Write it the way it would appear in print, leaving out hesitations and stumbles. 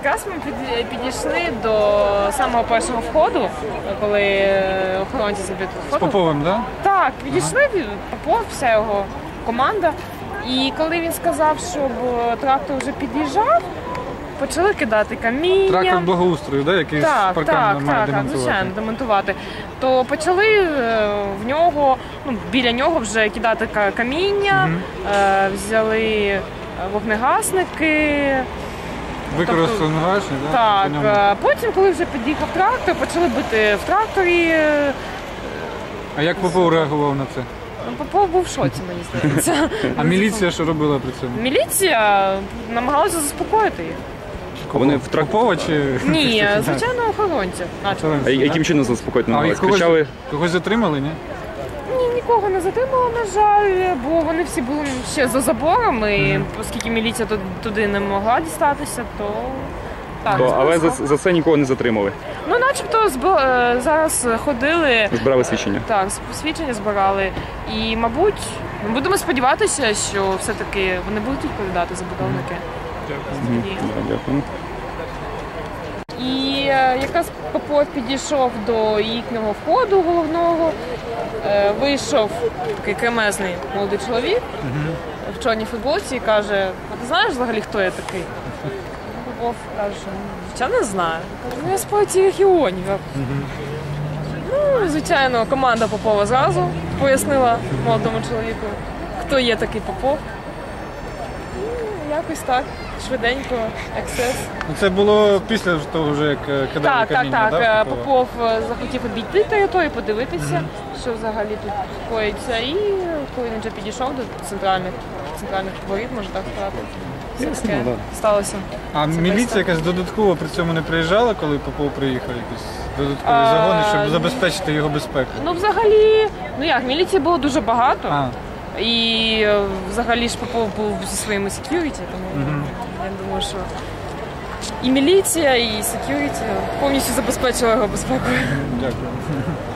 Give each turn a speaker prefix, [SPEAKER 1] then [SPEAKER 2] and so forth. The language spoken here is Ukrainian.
[SPEAKER 1] якраз ми підійшли до самого першого входу, коли охоронці забили вход.
[SPEAKER 2] З Поповим, так?
[SPEAKER 1] Так, підійшли, Попов, вся його команда. І коли він сказав, щоб трактор вже під'їжджав, почали кидати каміння.
[SPEAKER 2] Трактор благоустрою, да? Який з парканом має демонтувати.
[SPEAKER 1] звичайно, демонтувати. То почали в нього, біля нього вже кидати каміння, взяли вогнегасники.
[SPEAKER 2] Використали вогнегасник,
[SPEAKER 1] так? Так, потім, коли вже під'їхав трактор, почали бити в тракторі.
[SPEAKER 2] А як Попов реагував на це?
[SPEAKER 1] Попов був в шоці, мені здається.
[SPEAKER 2] А міліція що робила при цьому?
[SPEAKER 1] Міліція намагалася заспокоїти їх.
[SPEAKER 3] Вони в
[SPEAKER 2] Попова чи?
[SPEAKER 1] Ні, звичайно, охоронці.
[SPEAKER 3] А яким чином заспокоїти намагалися?
[SPEAKER 2] Когось затримали, ні?
[SPEAKER 1] Ні, нікого не затримало, на жаль, бо вони всі були ще за забором, і оскільки міліція туди не могла дістатися, то... Так,
[SPEAKER 3] але за це нікого не затримали?
[SPEAKER 1] Ну, начебто зараз ходили...
[SPEAKER 3] Збирали свідчення? Так,
[SPEAKER 1] свідчення збирали. І, мабуть, ми будемо сподіватися, що все-таки вони будуть відповідати забудовники.
[SPEAKER 3] Дякую.
[SPEAKER 1] І якраз Попов підійшов до їхнього входу головного, вийшов такий кремезний молодий чоловік в чорній футболці і каже: а ти знаєш взагалі, хто я такий? Попов каже: я не знаю. Каже: я з партії регіонів. Ну, звичайно, команда Попова зразу пояснила молодому чоловіку, хто є такий Попов. Якось так, швиденько, ексцес.
[SPEAKER 2] Це було після того, вже як кидали каміння, так?
[SPEAKER 1] Так. Попов захотів обійти територію, подивитися, що взагалі тут коїться. І коли він вже підійшов до центральних воріт, можна так сказати, все таке сталося.
[SPEAKER 2] А міліція якась додатково при цьому не приїжджала, коли Попов приїхав? Якісь додаткові загони, щоб забезпечити його безпеку?
[SPEAKER 1] Ну, взагалі, міліції було дуже багато. І взагалі ж Попов був зі своїми сек'юріті, тому я думаю, що і міліція, і сек'юріті повністю забезпечила його безпекою.
[SPEAKER 2] Дякую.